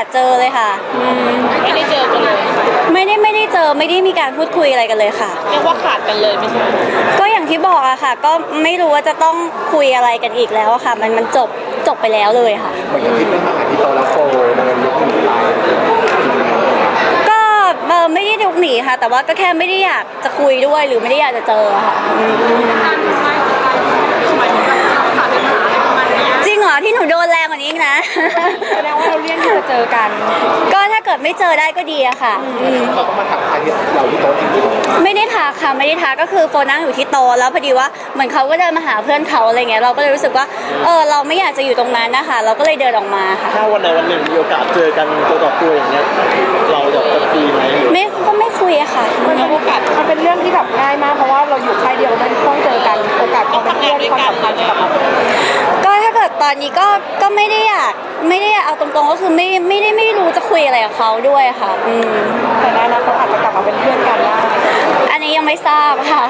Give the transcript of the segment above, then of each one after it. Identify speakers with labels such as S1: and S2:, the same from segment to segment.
S1: เจอเลยค่ะ
S2: ไม่ได้เจอกันเลย
S1: ไม่ได้เจอไม่ได้มีการพูดคุยอะไรกันเลยค่ะ
S2: เรียกว่าขาดกันเลยไม่ใช่
S1: ก็อย่างที่บอกอะค่ะก็ไม่รู้ว่าจะต้องคุยอะไรกันอีกแล้วอะค่ะมันจบไปแล้วเลยค่ะ
S3: เหมือนกับที่เรื่องมาหาที่โตแล้วโฟมันยกหนีไป
S1: ก็ไม่ได้ลุกหนีค่ะแต่ว่าก็แค่ไม่ได้อยากจะคุยด้วยหรือไม่ได้อยากจะเจอค่ะจริงเหรอที่หนูโดนแรงกว่านี้อีกนะ
S2: แสดงว่าเราเลี่ยงที่จะเจอกัน
S1: ก็ถ้าเกิดไม่เจอได้ก็ดีอะค่ะ
S3: เขาก็มาถักทายที่เราที่โต๊ะจริง
S1: ๆไม่ได้ทักค่ะไม่ได้ทักก็คือโฟนั่งอยู่ที่โต๊ะแล้วพอดีว่าเหมือนเขาก็เดินมาหาเพื่อนเขาอะไรเงี้ยเราก็เลยรู้สึกว่าเราไม่อยากจะอยู่ตรงนั้นนะคะเราก็เลยเดินออกมาค่ะ
S3: ถ้าวันใดวันหนึ่งมีโอกาสเจอกันตัวต่อตัวอย่างเงี้ยเราจะคุยไหม
S1: ไม่คุยอะค่ะ
S2: โอกาส
S4: มันเป็นเรื่องที่แบบง่ายมากเพราะว่าเราอยู่ค่ายเดียวมันต้องเจอกันโอกาสความเป็นเพื่อนความสัมพันธ์กับ
S1: ก็ถ้าเกิดตอนนี้ก็ไม่ได้อยากเอาตรงๆก็คือไม่รู้จะคุยอะไรกับเขาด้วยค่ะ
S4: แต่ในอนาคตอาจจะกลับมาเป็นเพื่อนกันได้
S1: อันนี้ยังไม่ทราบค่ะ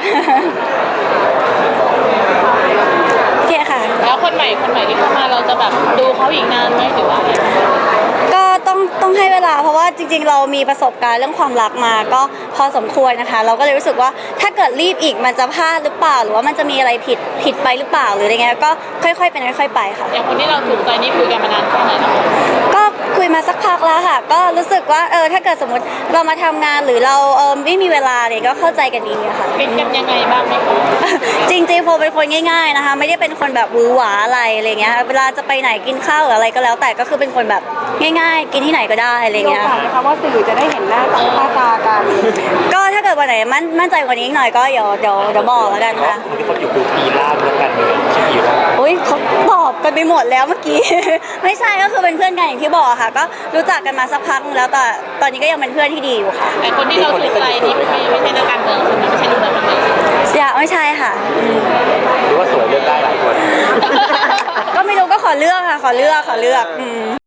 S1: โอเคค่ะ
S2: แล้วคนใหม่ที่เข้ามาเราจะแบบดูเขาอีกนานไหมหรือว่า
S1: ก็ต้องให้เวลาเพราะว่าจริงๆเรามีประสบการณ์เรื่องความรักมาก็พอสมควรนะคะเราก็เลยรู้สึกว่าถ้าเกิดรีบอีกมันจะพลาดหรือเปล่าหรือว่ามันจะมีอะไรผิดไปหรือเปล่าหรืออะไรเงี้ยก็ค่อยๆเป็นค่อยๆไปค่ะ
S2: อย่างคนที่เราถูกใจนี่คุยกันมานานแค่ไหนแล้ว
S1: ก็คุยมาสักพักแล้วค่ะก็รู้สึกว่าถ้าเกิดสมมติเรามาทำงานหรือเราไม่มีเวลาเนี่ยก็เข้าใจกันดีค่ะ
S2: เป็นกันยังไงบ้างไหมคะ
S1: จริงๆโฟเป็นคนง่ายๆนะคะไม่ได้เป็นคนแบบหวือหวาอะไรเงี้ยเวลาจะไปไหนกินข้าวหรืออะไรก็แล้วแต่ก็คือเป็นคนแบบง่ายๆกินที่ไหนก็ได้อะไรเงี้ย
S4: นะคะว่าสื่อจะได้เห็นหน้าตากัน
S1: ก็ถ้าเกิดวันไหนมั่นใจกว่านี้อีกหน่อยก็เดี๋ยวบอกแล้วกันค่ะ
S3: ที่เขาอยู่ดูปีล่าแล้วกันเลยใช่ไหม
S1: อุ้ยเขาตอบกันไปหมดแล้วเมื่อกี้ ไม่ใช่ก็คือเป็นเพื่อนกันอย่างที่บอกค่ะก็รู้จักกันมาสักพักแล้วแต่ตอนนี้ก็ยังเป็นเพื่อนที่ดีอยู่ค่ะ
S2: แต่คนที่เราถูกใจนี่ไม่ใช่นักการเมืองใช่ไหมไม่ใช่นักการเมือง
S1: อย่าไม่ใช่ค่ะ
S3: หรือว่าสวยเลือกได้หลายคน
S1: ก็ไม่รู้ก็ขอเลือกค่ะขอเลือก